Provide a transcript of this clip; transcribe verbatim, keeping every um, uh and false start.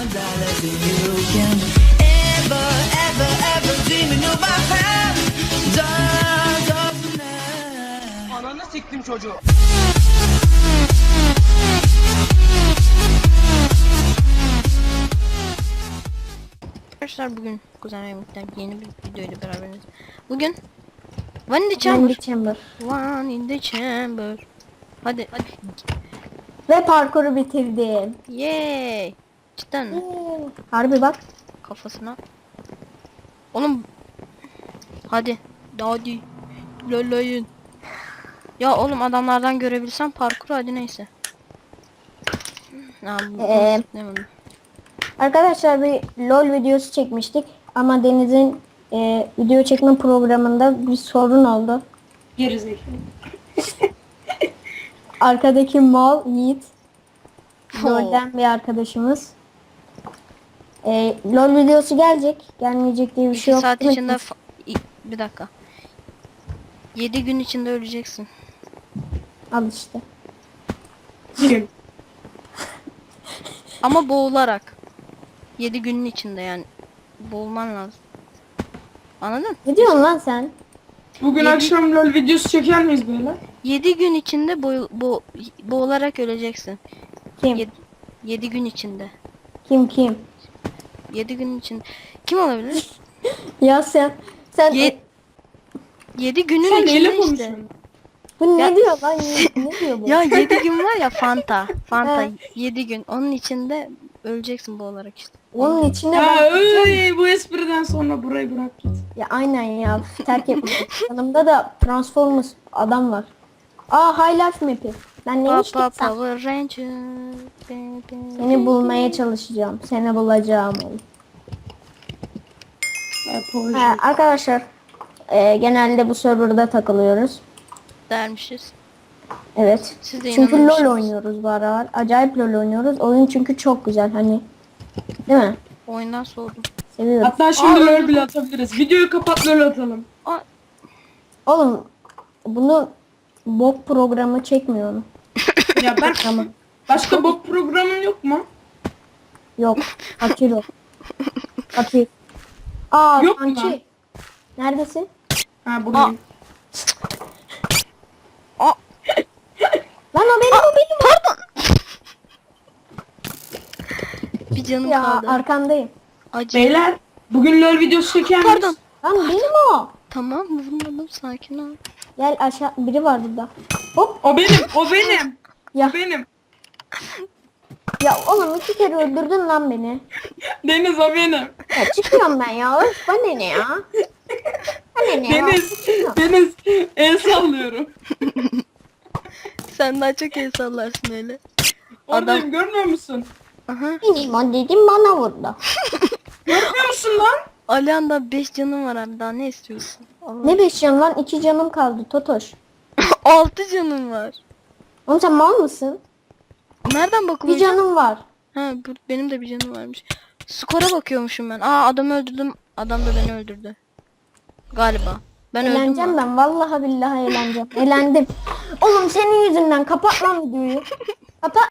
Ananı siktim çocuğu. Arkadaşlar bugün Kuzen Remik'ten yeni bir video ile beraberiz. Bugün One in the In Chamber. the chamber. One in the Chamber. Hadi hadi. Ve parkuru bitirdim. Yay. Cidden mi? Harbi bak. Kafasına. Oğlum. Hadi. Hadi. Lolayın. Ya oğlum adamlardan görebilsem parkuru hadi neyse. Ha, bu, Ee, ne oldu? Arkadaşlar bir LOL videosu çekmiştik. Ama Deniz'in e, video çekme programında bir sorun oldu. Gerizekalı. Arkadaki mal Yiğit. Oh. LOL'den bir arkadaşımız. E, LOL videosu gelecek. Gelmeyecek diye bir İki şey yok. saat değil mi? içinde fa- i- bir dakika. Yedi gün içinde öleceksin. Al işte. Kim? Ama boğularak. Yedi günün içinde yani. Boğulman lazım. Anladın? Ne diyorsun lan sen? Bugün Yedi- akşam LOL videosu çeker miyiz böyle? Yedi gün içinde boy, bo, boğularak öleceksin. Kim? Yedi, yedi gün içinde. Kim kim? Yedi gün içinde. Kim olabilir? Ya sen sen Ye- Yedi günün Sen neyle içinde işte. konuşuyorsun? bu ne Ya- diyor lan? Yiğit? Ne diyor bu? Ya yedi gün var ya Fanta. Fanta He. yedi gün. Onun içinde öleceksin boğularak işte. Onun içinde Ya ben öy, bu espriden sonra burayı bırak git. Ya aynen ya terk etmiş. Yanımda da Transformers adam var. Aa High Life map'i. Ben neymiş Papa ki sen? Power Ranger. baby. Seni bulmaya çalışacağım. Seni bulacağım oğlum. Ya, proje. Ha, arkadaşlar e, genelde bu serverda takılıyoruz. Dermişiz. Evet. Siz de Çünkü inanılmışsınız. LOL oynuyoruz bu aralar. Acayip LOL oynuyoruz. Oyun çünkü çok güzel hani. Değil mi? Oyundan soğudum. Seviyorum. Hatta şimdi Aa, LOL bile atabiliriz. Videoyu kapat LOL atalım. Aa, Oğlum bunu bok programı çekmiyor mu? Ya ben Tamam. başka bok programın yok mu? Yok. Fakir o. Fakir. Aa Yok mu kanki. lan? Neredesin? Ha buradayım. aa, Lan o benim o benim. pardon. Bir canım Ya kaldı. arkandayım. Acı. Beyler bugün LOL videosu çeker miyiz? Pardon. Lan benim o. Tamam vurmadım sakin ol. Gel aşağı biri var burada. Hop O benim, o benim. ya O benim. ya oğlum iki kere öldürdün lan beni. Deniz o benim. Ya çıkıyorum ben ya. Öf bana ne ya? Bana ne ya? Deniz, Deniz el sallıyorum. Sen daha çok el sallarsın öyle. Oradayım görmüyor musun? Aha. Benim o dedim bana vurdu. Görmüyor musun lan? Alihan'da beş canım var abi daha ne istiyorsun? Allah. Ne beş canım lan? iki canım kaldı Totoş. Altı canım var. Oğlum sen mal mısın? Nereden Bir bakılacak? canım var. Ha bu, benim de bir canım varmış. Skora bakıyormuşum ben. Aa adamı öldürdüm. Adam da beni öldürdü. Galiba. Ben öldüm Eğleneceğim mü? ben. Vallahi billahi eğleneceğim. Eğlendim. Oğlum senin yüzünden kapat lan videoyu. Kapat.